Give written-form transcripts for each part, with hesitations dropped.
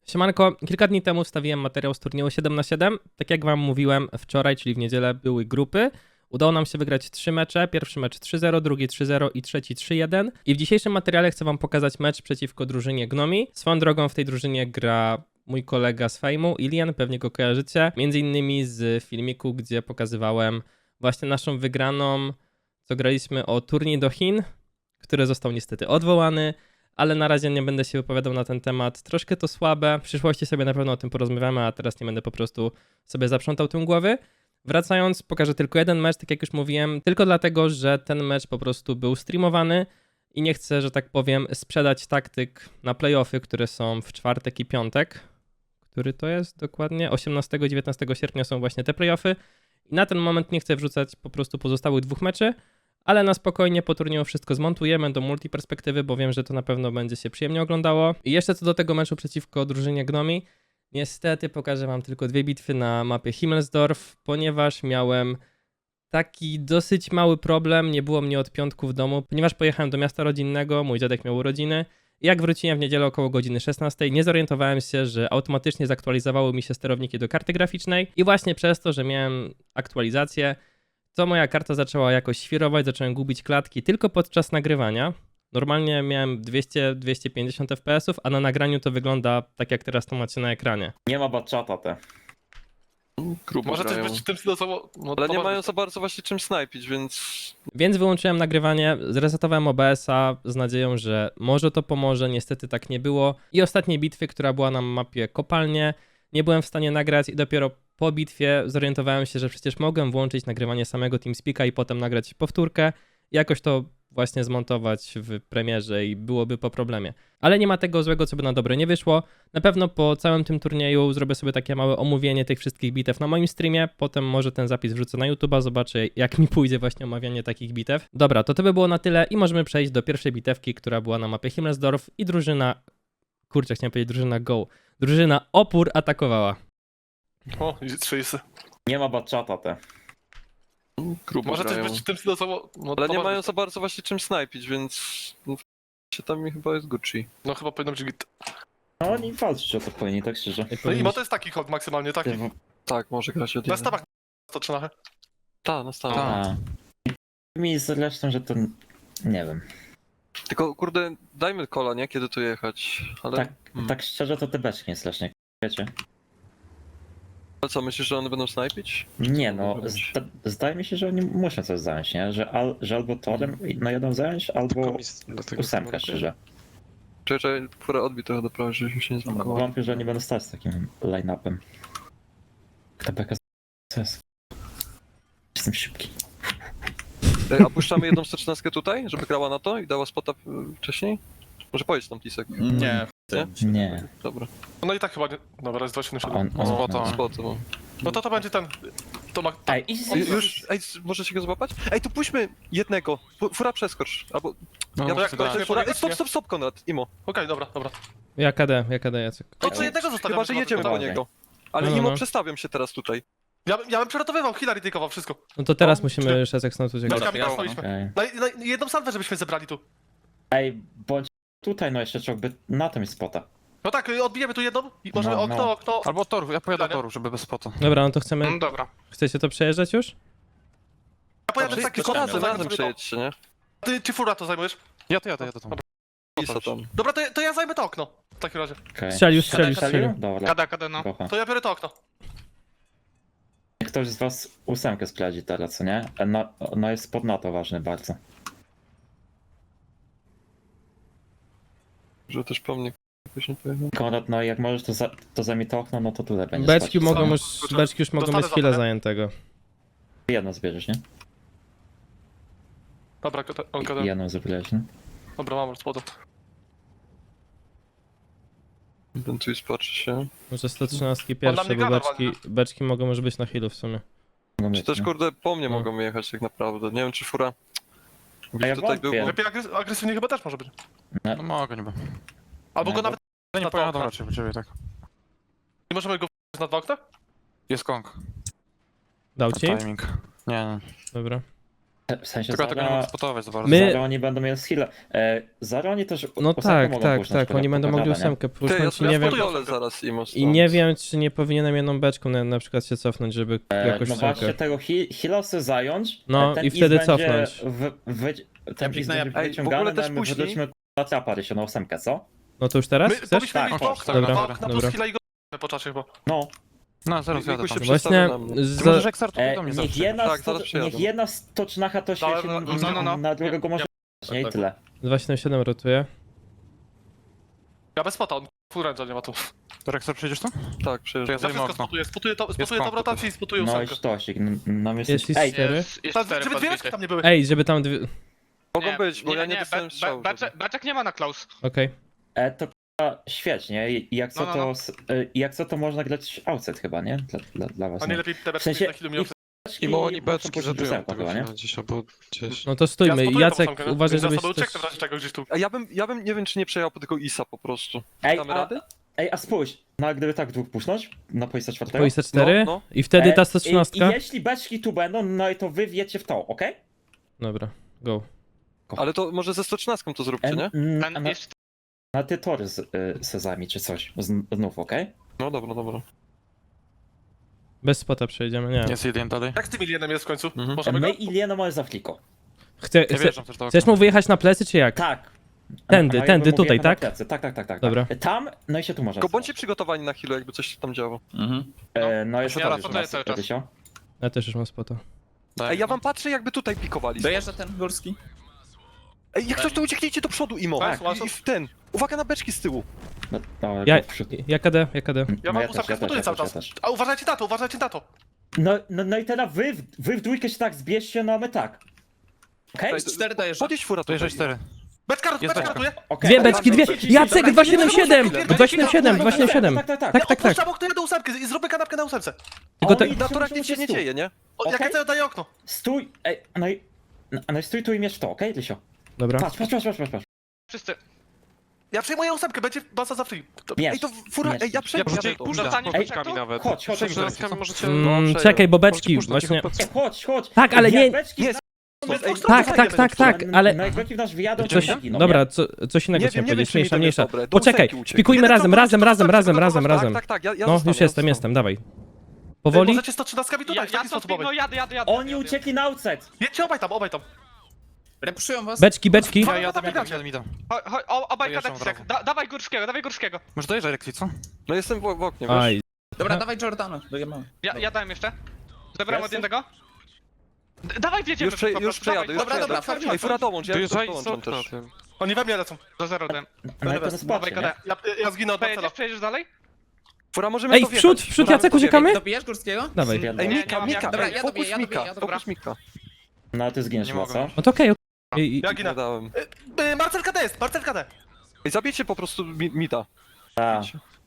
Siemanko, kilka dni temu wstawiłem materiał z turnieju 7x7. Tak jak wam mówiłem wczoraj, czyli w niedzielę były grupy. Udało nam się wygrać 3 mecze. Pierwszy mecz 3-0, drugi 3-0 i trzeci 3-1. I w dzisiejszym materiale chcę wam pokazać mecz przeciwko drużynie Gnomi. Swoją drogą w tej drużynie gra mój kolega z Fejmu, Ilian, pewnie go kojarzycie. Między innymi z filmiku, gdzie pokazywałem właśnie naszą wygraną, co graliśmy o turniej do Chin, który został niestety odwołany. Ale na razie nie będę się wypowiadał na ten temat. Troszkę to słabe. W przyszłości sobie na pewno o tym porozmawiamy, a teraz nie będę po prostu sobie zaprzątał tym głowy. Wracając, pokażę tylko jeden mecz, tak jak już mówiłem, tylko dlatego, że ten mecz po prostu był streamowany i nie chcę, że tak powiem, sprzedać taktyk na playoffy, które są w czwartek i piątek. Który to jest dokładnie? 18 i 19 sierpnia są właśnie te playoffy. I na ten moment nie chcę wrzucać po prostu pozostałych dwóch meczy, ale na spokojnie po turnieju wszystko zmontujemy do multiperspektywy, bo wiem, że to na pewno będzie się przyjemnie oglądało. I jeszcze co do tego meczu przeciwko drużynie Gnomi, niestety pokażę wam tylko dwie bitwy na mapie Himmelsdorf, ponieważ miałem taki dosyć mały problem, nie było mnie od piątku w domu, ponieważ pojechałem do miasta rodzinnego, mój dziadek miał urodziny. I jak wróciłem w niedzielę około godziny 16, nie zorientowałem się, że automatycznie zaktualizowały mi się sterowniki do karty graficznej i właśnie przez to, że miałem aktualizację, to moja karta zaczęła jakoś świrować, zacząłem gubić klatki tylko podczas nagrywania. Normalnie miałem 200-250 fps, a na nagraniu to wygląda tak jak teraz to macie na ekranie. Nie ma batchata te. Grubo Może też grają. być tym stylowo. No, Ale to nie może mają być. za bardzo właśnie czym snajpić, więc... Więc wyłączyłem nagrywanie, zresetowałem OBS-a z nadzieją, że może to pomoże, niestety tak nie było. I ostatniej bitwy, która była na mapie Kopalnie, nie byłem w stanie nagrać i dopiero po bitwie zorientowałem się, że przecież mogłem włączyć nagrywanie samego TeamSpeaka i potem nagrać powtórkę i jakoś to właśnie zmontować w premierze i byłoby po problemie. Ale nie ma tego złego, co by na dobre nie wyszło. Na pewno po całym tym turnieju zrobię sobie takie małe omówienie tych wszystkich bitew na moim streamie, potem może ten zapis wrzucę na YouTube'a, zobaczę jak mi pójdzie właśnie omawianie takich bitew. Dobra, to by było na tyle i możemy przejść do pierwszej bitewki, która była na mapie Himmelsdorf i drużyna... Kurczę, chciałem powiedzieć drużyna Go. Drużyna Opór atakowała. O, 30. Nie ma batchata te. Grubo Może też grają. być tym stylowo. No, Ale to nie może mają być. za bardzo właśnie czym snajpić, więc... No, się tam mi chyba jest Gucci. No chyba powinno być git. No oni walczyć o to powinni, tak szczerze. No i bo to jest taki hok maksymalnie, taki. Tak, może grać od Na jeden. stawach to trzeba. Tak, na stałe. A. Mi zresztą, że to... Nie wiem. Tylko kurde, dajmy kola, nie? Kiedy tu jechać. Ale... Tak, tak szczerze to te beczki nie strasznie, wiecie? Ale co, myślisz, że one będą snajpić? Nie no, Może być. zdaje mi się, że oni muszą coś zająć, nie? Że albo torem no jedną zająć, albo ósemkę szczerze. Czekaj, która odbi trochę do prawej, żebyśmy się nie zblokowały. Wątpię, że oni będą stać z takim line-upem. Kto beka z... Jestem szybki. Ej, a puszczamy jedną 113 tutaj, żeby grała na to i dała spota wcześniej? Może pojedź tam Tisek. Nie. Nie. Dobra. No i tak chyba nie. Dobra, jest 277. On Spota. Spota, bo... No to będzie ten. To ma. Ej, Już, ej, możecie go złapać? Ej, tu puśćmy jednego. Fura przeskocz. Albo... No, ja jak tak, to fura... fura- Ej, stop, Konrad, Imo. Okej, dobra. Jadę, Jacek. To co jednego zostawiamy. Chyba, że jedziemy po Dawaj. niego. Ale No. Imo, przestawiam się teraz tutaj. Ja bym przeratowywał, Hillary takeował wszystko. No to teraz No, musimy Szecek stąd uciekać. Beczkami jasne, staliśmy. Okej. Na jedną salwę, żebyśmy zebrali tu. Ej, bądź tutaj, no jeszcze trzeba by na tym spota. No tak, odbijemy tu jedną i możemy No, okno, no. okno. Albo od toru, ja pojadę od Pytanie? toru, żeby bez spota. Dobra, no to chcemy... Dobra. Chcecie to przejeżdżać już? Ja pojadę w taki To razem, zajmę razem sobie to. przejedźcie, nie? Ty czy fura to zajmujesz? Ja to jadę tam. Isa tam. Dobra, to ja zajmę to okno. W takim razie. Okay. Strzelił. Dobra. Kada, no. Kocha. To ja biorę to okno. Ktoś z was ósemkę sprawdzi teraz, co nie? No jest spod NATO ważny bardzo. Że też po mnie jakoś nie pojechał. Konrad, no jak możesz to zajmij to okno, no to tutaj będzie Beczki spać. mogą Co? już, beczki już mogą Dostanę mieć chwilę zapewne. zajętego. Jedno zbierzesz, nie? Dobra, on I jedną zbierzesz, nie? Dobra, mam już spodu. Ten tu patrzy się. Może 113 On na pierwsze, mnie bo gada beczki mogą już być na healu w sumie. Mogą Czy być, też nie? kurde po mnie No. mogą jechać tak naprawdę. Nie wiem czy fura... A ja tutaj był... wątpię. Lepiej agresywnie chyba też może być. No mogę niby. Albo No, go bo- nawet No Na nie dwa pojadą okna. raczej po ciebie, tak. nie możemy go na dwa okna? Jest kong. Dał ci? Timing. Nie. Dobra. W sensie Tylko ja tego nie mogę Zara... spotować za bardzo. My- Zara oni będą mieli skilla. Zara oni też No ósemkę tak, mogą tak, puszczać tak, pod- oni będą pod mogli radę, nie? ósemkę Ty, ja pusznąć i nie wiem, spotuję zaraz Imo i stąd. nie wiem, czy nie powinienem jedną beczką na przykład się cofnąć, żeby jakoś No właśnie ósemkę. tego heal'a sobie zająć. No, ten i wtedy East będzie cofnąć. Ten kliknę, East ja- będzie Ej, w wyciągany, ogóle no też i my później- wrócimy na trapa się na ósemkę, co? No to już teraz? My Chcesz? powinniśmy Tak, mieć chodź, okna, dobra, dwa okna dobra. plus chwila i go po czasie chyba. No. No, zaraz jadę Jakby tam. się Właśnie, przestawił na mnie. Ty za... możesz eksartu do mnie Niech zawsze. jedna, Tak, zaraz przyjadę. niech jedna stocznacha to Dobra, świeci no. na drugiego może nie i tak. tyle. 277 rotuje. Ja bez spota, on full range'a nie ma tu. To Rexar przyjdziesz tu? Tak, To ja przyjeżdżam. Ja zajmę wszystko okno. spotuję Jest tą konflikt. rotację i spotuję No i ósemkę. sztosik, no Jest jesteś... i Ej, 4. Jest 4 Żeby dwie reszki tam nie były. Ej, żeby tam dwie... Mogą być, bo ja nie dostałem strzału. Beczek nie ma na Klaus. Okej. to k***a, świetnie i jak co No. to... Jak co to można grać outside chyba, nie? Dla was, A nie? nie lepiej te W beczki sensie... na chwilę mi I bo oni potem beczki później zabiją ósemka tego chyba, nie? chwilę gdzieś albo gdzieś. No to stójmy. spotuję Jacek, tą ósemkę, uważaj, więc ja żebyś sobie też... ucieknę w razie czego gdzieś tu. A ja bym nie wiem, czy nie przejechał po tego Isa po prostu. Ej, Damy rady? a spójrz, no a gdyby tak dwóch pusznąć na poista czwartego? Poista 4 No, no. i wtedy ta I 113. jeśli beczki tu będą, no i to wy wiecie w to, okej? Dobra, go. Ale to może ze 113 to zróbcie, nie? Ten jest... Na ty tory se zajmij czy coś, znów, okej? No dobra. Bez spota przejdziemy, nie. Jest jeden dalej. Jak z tym Ilienem jest w końcu? Mhm. Możemy go? My Iliena mamy za fliko. Ja wjeżdżam też do okna. Chcesz mu wyjechać na plecy, czy jak? Tak. Tędy, A ja tędy, bym mógł tutaj, jechać na tak? plecy. Tak. Dobra. Tam, no i się tu może. Tylko bądźcie przygotowani na chwilę, jakby coś się tam działo. No jest Ja to już raportuję nas, cały czas. Rysio. Ja też już mam spota. Daj. Ej, ja wam patrzę, jakby tutaj pikowali. Dojeżdża ten górski? Ej, jak coś to ucieknijcie do przodu, Imo. Tak, I w ten. Uwaga na beczki z tyłu. No, Ja, go w przód. ja KD, ja KD. Ja mam też, ósemkę, spotuję cały czas. też. A uważajcie na to. No i teraz wy w dwójkę się tak zbierzcie, no a my tak. Okej? Ej, 4 dojeżdża. Podjedź fura To tutaj. jeżeli 4. Beczka Jest beczka beczka. ratuje. Okej. Dwie Ale beczki, mam dwie! beczki. Jacek, Dobra, 277! Dobra, 277, dobra, 277! Tak. Tak. Odpuszczam okno, jadę ósemkę i zrobię kanapkę na ósemce. Tylko te... Oni Na torach muszą nic się nie stój. dzieje, nie? Jak Okej. chcę, daję okno. Stój, ej, no i stój tu i mierz w to, okej, Rysio? Dobra. Patrz. Wszyscy. Ja przejmuję ósemkę, będzie baza za free. Mierz. Ej, to fura, Mierz. ej, ja przejdę. Możecie to. pójść Zostanie za beczkami nawet. Chodź. Przejściami możecie... Czekaj, bo beczki właśnie... Chodź. Tak, ale nie... Jak beczki Jest. Ej, Tak, ale... No jak beczki w nasz wyjadą, to Coś, się giną, dobra, coś innego Nie chciałem wiem, powiedzieć, czy mi to jest mniejsza. dobre. Do Poczekaj, ósemki uciekł. spikujmy razem. Tak, ja No, zostanę, już jestem, dawaj. Powoli? Możecie 113 tutaj, w Ja taki to sposób obaj. jadę. nie? Oni uciekli na outside. Jedźcie obaj tam. Repuszują was. Beczki. Ja jadę mida. Obaj Dojeżdżam kadek. od razu. Dawaj górskiego. Może dojeżdżaj Rexi, co? No jestem w oknie, wiesz? Aj, Dobra, dawaj Jordana. Dojemy. Ja dałem jeszcze. Zebrałem od Jesteś? jednego. Dawaj, wjedziemy. Już przejadę, już Dobra, przejadę. farmimy. Ej, fura dołącz, ja Dojeżdżaj dołączam z też. okna. Oni we mnie lecą. Do 0 dałem. No i to Dawaj spacie, KD. nie? Ja zginę od Marcela. Przejedziesz dalej? Fura, możemy Ej, to w wjechać. przód, Możemy Jacek, to uciekamy? wjechać. Dobijesz górskiego? Dawaj. Ej, Nie, Mika, dobra, ja fokus dobiję, Mika, dobra. fokus Mika. No ty zginiesz Nie chyba, mogę. co? No to okej. Ja Nie ginę. dałem. Marcel KD jest, Marcel KD. Ej, zabijcie po prostu Mida. Tak.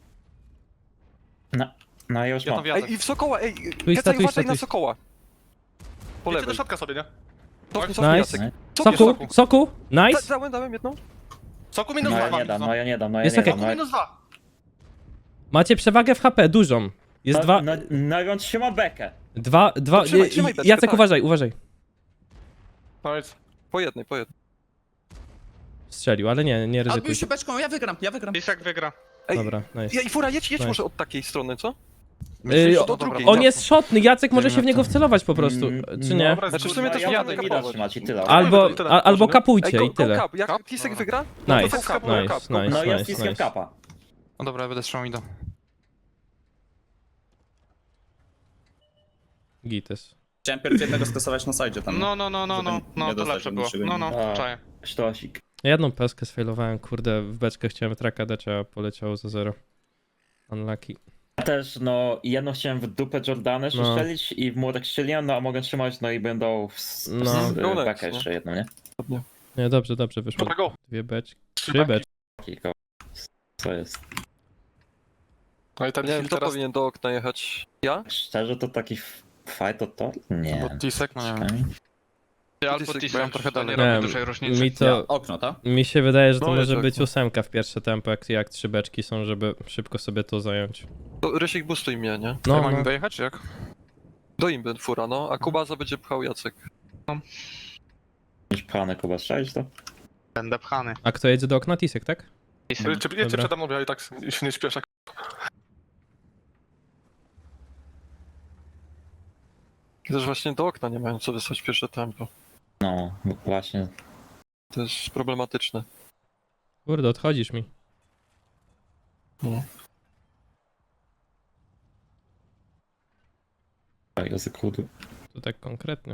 No ja już Ja tam mam. wjadę. Ej, i w Sokoła, ej, Twista, Kecaj, uważaj na twista. Sokoła. Po Jedźcie do lewej. środka sobie, nie? Cofnij, Nice. Jacek. Nie? Cofnij, Soku, nice. Dałem jedną. Soku minus No 2. ja nie dam, no ja nie dam. Jest okej. Soku minus 2. Macie przewagę w HP, dużą. Jest dwa, No i on trzyma bekę. dwa, No trzymaj beczkę, Jacek, tak. uważaj. Powiedz. Po jednej. Strzelił, ale nie Odbił ryzykuj. się beczką, ja wygram. Lisek wygra. Ej, Dobra, nice. i Fura, jedź Nice. może od takiej strony, co? Yy, do drugiej. On jest szotny, Jacek może się w niego wcelować po prostu, czy nie? Dobra, Znaczy w sumie też ja jadę jadę kapować. trzymać i tyle. Albo kapujcie Ej, i tyle. go cup. Jak Cup? Tisek Dobra. wygra? Nice, to go cup, go nice, cup, go nice. No jest i skip kapa. No dobra, ja będę trzymał mida. Gites. Chciałem pierw jednego skasować na sajdzie tam. No, nie to dostać lepsze od było. niczego No, innego. czaję. Sztosik. Jedną peskę sfailowałem, kurde, w beczkę chciałem traka dać, a poleciało za 0. Unlucky. Ja też, no, jedno chciałem w dupę Jordana No. strzelić i w młodek strzeliłem, no a mogę trzymać, no i będą No. bekę jeszcze jedną, nie? Nie, dobrze wyszło. Dobra, go. Dwie beczki. Trzy Trzy beczki. beczki. Co jest? No i ten Nie wiem, film kto teraz... powinien do okna jechać. Ja? Szczerze to taki fight o to? Nie. Bo Tisek, no nie wiem. Albo Tisek, Tisek, bo ja trochę to nie dalej. robi Nie, dużej różnicy. Mi Ja, to, okno, tak? mi się wydaje, że to No, może jest być okno. 8 w pierwsze tempo, jak 3 beczki są, żeby szybko sobie to zająć. To Rysik boostuj mnie, nie? No, Ja mam no. dojechać, czy jak? Do imby Fura, no, a Kubaza będzie pchał Jacek. Jakieś plany, Kuba, strzelić to? Będę pchany. A kto jedzie do okna? Tisek, tak? Jedźcie Dobra. przede mną, ja i tak się nie śpieszę. Też właśnie do okna nie mają co wysłać pierwsze tempo. No, właśnie. To jest problematyczne. Kurde, odchodzisz mi. No. Język ludu. To tak konkretnie.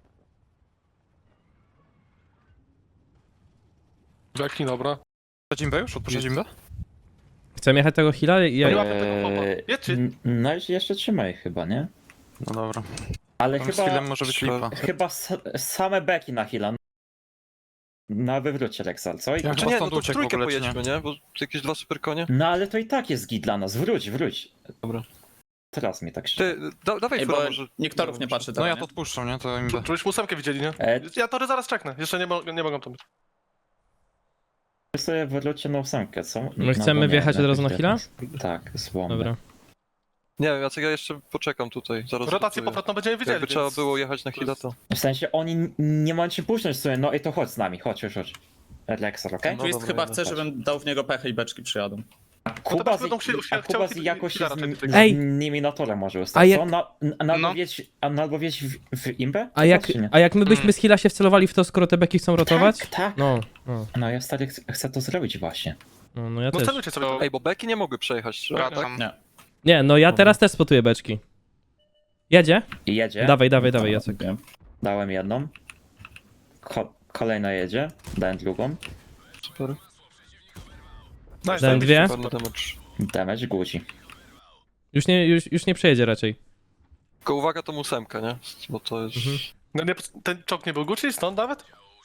Jacki, dobra. Odpuszczać imbę już? Odpuszczać imbę? Chcemy jechać tego heala? Ja... Nie łapie tego popa. Jedźcie. No i jeszcze trzymaj chyba, nie? No dobra. Ale Tam z chyba... chwilą może być lipa. Chyba same beki na heal'a. Na wywrócie Rexal, co? I... Ja- Czy Chyba nie, stąd no to w uciekł w trójkę ogóle, czy pojedźmy, nie? Bo jakieś dwa super konie. No ale to i tak jest git dla nas. Wróć. Dobra. Teraz mi tak Ty, się... dawaj Ej, fura bo może. nikt torów nie patrzy No teraz, ja nie? to odpuszczam, nie? To imbę. Czułeś ósemkę widzieli, nie? Ja tory zaraz czeknę. Jeszcze nie mogą tam być. sobie wróćcie na ósemkę, co? My chcemy bo nie, wjechać od razu na jakoś heal'a? Tak, z bombę. Dobra. Nie wiem, Jacek, ja jeszcze poczekam tutaj. Zaraz Rotację wrócę. powrotną będziemy widzieli, Jakby trzeba więc- było jechać na chwilę, to... W sensie oni nie mają się puszczać sobie, no i to chodź z nami, chodź. Rexal, okej? No Twist dobra, chyba dobra, chce, patrz. żebym dał w niego pechę i beczki przyjadą. Kuba teraz będą chcieli- Kuba z chciał jakoś się raczej z, tych- z Ej! nimi na torze może A ustać, jak- co? Albo No. wieź w imbę? A jak my byśmy z heala się wcelowali w to, skoro te beki chcą rotować? Tak. No, No ja stary chcę to zrobić właśnie. no ja No też. celujcie sobie to. Ej, bo beki nie mogły przejechać, trzeba, tak? Wracam. Nie. Nie, no ja teraz też spotuję beczki. Jedzie? I jedzie. Dawaj, Jacek. Wiem. Dałem jedną. Kolejna jedzie. Dałem drugą. Super. Nice, Dałem dwie. Super damage. Damage guzi. Już nie przejedzie raczej. Tylko uwaga, tą ósemkę, nie? Bo to jest... No nie, ten czołg nie był Gucci, stąd nawet?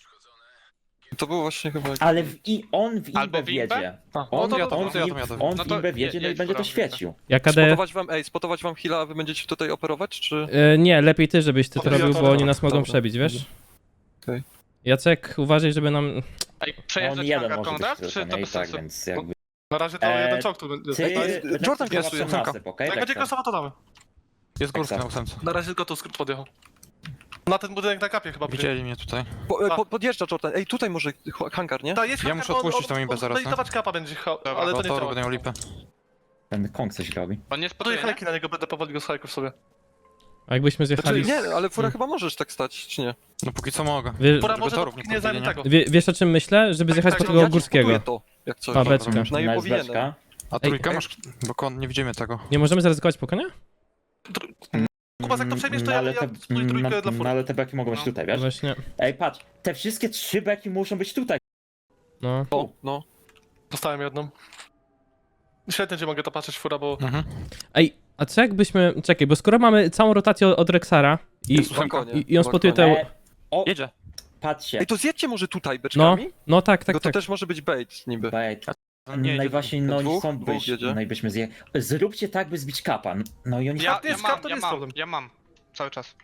To było właśnie chyba... Ale on w Albo imbę w imbę? wjedzie. A, On, to jadę, on, to jadę. on No w to imbę wjedzie, no i jedź, będzie to dobra, świecił. Ja KD... Spotować wam heal'a, a wy będziecie tutaj operować, czy... Nie, lepiej ty, żebyś ty to Dobra, robił, bo dobra, oni nas mogą dobra. przebić, wiesz? Okej. Jacek, uważaj, żeby nam... Ej, On przejeżdżać jeden hangar może być kontrakt, tylko, czy to nie? I bez tak, sensu? więc jakby... Na razie to jeden czołg tu będzie. Ty... Jordan chyba klasuje, są ósemka. nasyp, okej? Jak będzie Rexal. klasowa, to damy. Jest górka na Exact. ósemce. Na razie tylko tu skrót podjechał. Na ten budynek na kapie chyba będzie. Widzieli mnie tutaj. Podjeżdża Jordan. Ej, tutaj może hangar, nie? Ta, jest Ja hangar, muszę odpuścić tą imbę zaraz, No i dawać kapa będzie, Dobra, ale to do nie toru działa. będę miał lipę. Ten Kong coś robi. On nie To spotuje, i hajki na niego, będę powoli go z hajków sobie. A jakbyśmy Znaczy, zjechali... nie, ale fura chyba możesz tak stać, czy nie? No póki co mogę. Pora Żeby może torów dopóki nie nie zajmie podjęli, tego. Wiesz o czym myślę? Żeby zjechać po tak, tego Ja ci górskiego. spotuję to, jak coś. A, beczka. Przynajmniej No jest powinienem. beczka. A trójkę masz? Bo nie widzimy tego. Nie możemy zaryzykować po konia? Kuba, jak to przejmiesz, to No, ja ale spój trójkę dla no, fury. ale te beki mogą być No. tutaj, wiesz? Właśnie, Ej, patrz, te wszystkie 3 beki muszą być tutaj. no. No. Dostałem jedną. Świetnie, że mogę to patrzeć fura, bo... Mhm. Ej, a co jakbyśmy... Czekaj, bo skoro mamy całą rotację od Rexara Jest balkonie, i on spotuje te... balkonie. O, Jedzie. patrzcie. Ej, to zjedźcie może tutaj No, beczkami? no tak, Bo to tak. też może być bait niby. Bait. No nie, Najważniej, no oni Dwóch? są Dwóch byś, jedzie? no i byśmy zje... Zróbcie tak, by zbić kapa. No i oni... Ja mam. Ja mam. Cały czas.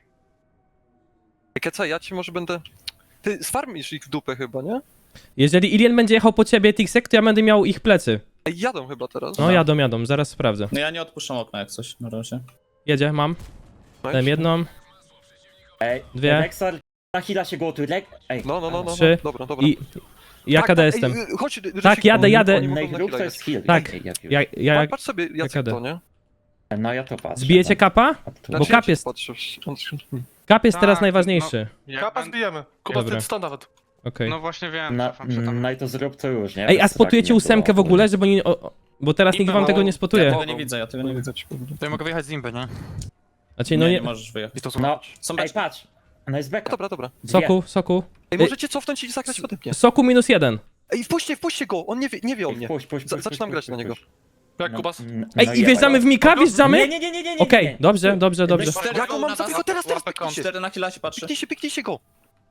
Keca, ja ci może będę... Ty sfarmisz ich w dupę chyba, nie? Jeżeli Ilien będzie jechał po ciebie, Tixek, to ja będę miał ich plecy. Ej, jadą chyba teraz. No jadą, zaraz sprawdzę. No ja nie odpuszczam okna jak coś na razie. Jedzie, mam. Nice. Dałem jedną. Ej, Dwie. Rexar, na hila się gotuj. Ej, No. Trzy. Dobra. I... Ja KD ej, jestem. Chodź, Tak, jadę. Oni mogą na Najgrób chwilę to jest heal. Tak. Ja... Patrz sobie, Jacek, KD. to, nie? No ja to patrzę. Zbijecie kapa? A tu- Bo kap jest- Kap jest teraz Tak, najważniejszy. Kapa zbijemy. Kuba, Dobra. ty stąd nawet. Okej. No właśnie wiem, No, cofam się tam. no i to zrób to już, nie? Ej, a Bez spotujecie straki nie ósemkę w było. ogóle, żeby oni... Bo teraz nikt wam tego nie Ja spotuje. tego nie widzę, ja tego nie widzę. To ja mogę wyjechać z Imby, nie? Znaczy, no nie, nie... nie możesz wyjechać. I to No, zobaczyć. Są ej, beczki. patrz. No jest beka. Dobra. Soku. Ej, możecie cofnąć i zagrać ode mnie. Soku -1. Ej, wpuśćcie go, on nie wie o mnie. Puść, Zaczynam grać na niego. Jak Kubas? Ej, i wjeżdżamy w Mika, wjeżdżamy? Nie. Okej, dobrze. Ja go mam, tylko teraz Łapę kąt. 4 na killa się patrzy. Piknijcie go.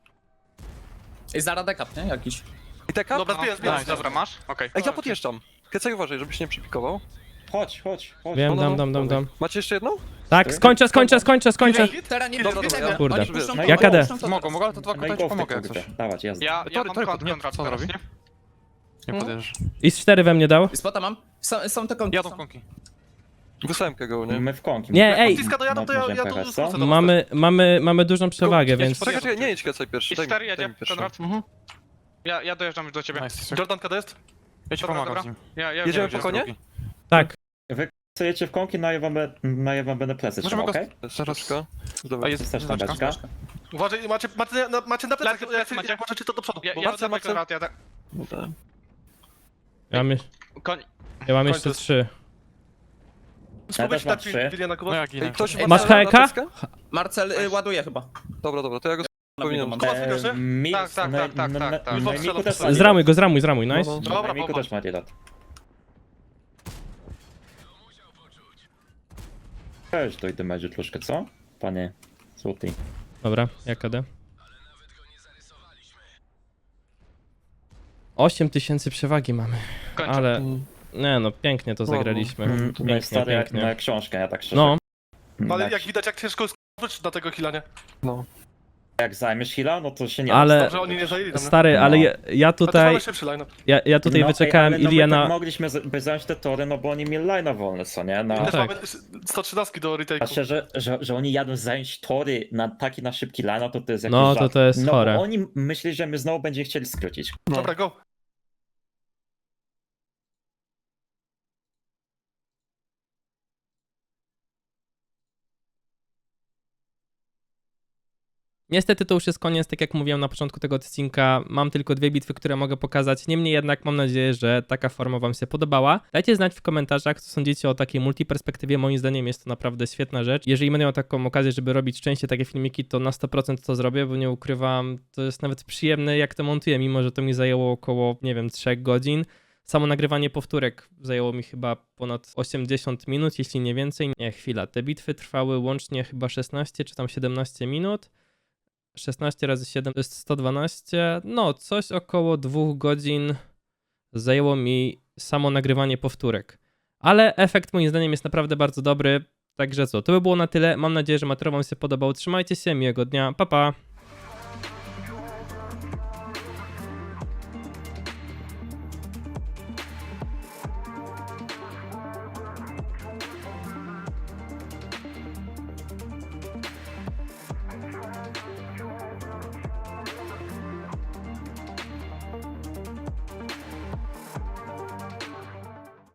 Ej, zaraz dekap, nie? Jakiś. I taka? Dobra, zbijam. Dobra, masz? Okej. Ej, ja podjeżdżam. Kecaj, uważaj, żebyś nie przypikował. Chodź. Wiem, No, dam. Macie jeszcze jedną? Tak, skończę. Teraz nie Dobra, widzę. dobra. Kurde. Oni puszczą No to, i oni KD. puszczą to Mogą, teraz. ale to dwa No i kota ci go pomogę jak coś. Dawać, jazda. Ja Tory, mam tory, kontrakt nie, teraz, co nie? Nie podjeżdżasz. I z 4 we mnie dał. I spota mam. Są te kąty. Jadą konki. Wysłałem go, nie? My w konki. Nie, ej! Odciska dojadą, to ja Możemy tu pojechać, co? skrócę do Mamy dużą przewagę, Tylko więc... Czekaj, nie jedź klecaj pierwszy. I 4 jedzie, pierwszy. Konrad. Ja dojeżdżam już do ciebie. Nice. Jordan, kiedy jest? Ja ci Dobra, pomagam dobra. z nim. Ja Jedziemy wiem, po konie? Drugi. Tak. Chcecie w konki, na ja wam będę plecy Możemy trzymał, go- okej? Zaraz. A Dobra. jest Jest też beczka. beczka. Uważaj, macie na plecach, Plecy jak, jak możecie to do przodu. Ja- bo ja Marcel, Marcel- Konrad, ja tak. Dobra. Koń. Ja mam Kończę. jeszcze 3. Spróbuj też się mam dać trzy. Wiliana No Kuba. ja ginę. Ej, ktoś Ej, Masz Marcela na HK? deskę? Marcel ładuje chyba. Dobra, to ja go powinienem. mam. Kuba, słychać, nie? Mix, Tak, tak. na Miku też ma Zramuj go, zramuj, nice. No, Dobra, Na Miku bomba. też ma delat. Weź to i damage'u troszkę, co? Panie Złoty. Dobra, jak KD? 8000 przewagi mamy, Kończę. ale... Mm. Nie no, pięknie to zagraliśmy. Tutaj stary jak pięknie. na książkę, ja tak szczerze. No, Ale jak widać, jak ciężko jest wrócić na tego heala, nie? No. Jak zajmiesz heal'a, no to się nie Ale- Dobrze, oni nie zajęli tam, nie? stary, ale No. ja A to tutaj... mamy szybszy line-up. Ja tutaj No, wyczekałem ale no, Ilię my tak na... mogliśmy by zająć te tory, no bo oni mieli line'a wolne, co nie? No, Też tak. mamy 113 do retake'u. a szczerze, że oni jadą zająć tory na taki na szybki line, to jest jakiś No, żart. to jest no, chore. Bo oni myśleli, że my znowu będziemy chcieli skrócić. Dobra, go. Niestety to już jest koniec, tak jak mówiłem na początku tego odcinka, mam tylko 2 bitwy, które mogę pokazać, niemniej jednak mam nadzieję, że taka forma wam się podobała. Dajcie znać w komentarzach, co sądzicie o takiej multiperspektywie, moim zdaniem jest to naprawdę świetna rzecz. Jeżeli będę miał taką okazję, żeby robić częściej takie filmiki, to na 100% to zrobię, bo nie ukrywam, to jest nawet przyjemne jak to montuję, mimo że to mi zajęło około, nie wiem, 3 godzin. Samo nagrywanie powtórek zajęło mi chyba ponad 80 minut, jeśli nie więcej. Nie, chwila, te bitwy trwały łącznie chyba 16 czy tam 17 minut. 16 razy 7 to jest 112. No, coś około 2 godzin zajęło mi samo nagrywanie powtórek. Ale efekt moim zdaniem jest naprawdę bardzo dobry. Także co, to by było na tyle. Mam nadzieję, że materiał wam się podobał. Trzymajcie się, miłego dnia. Pa, pa!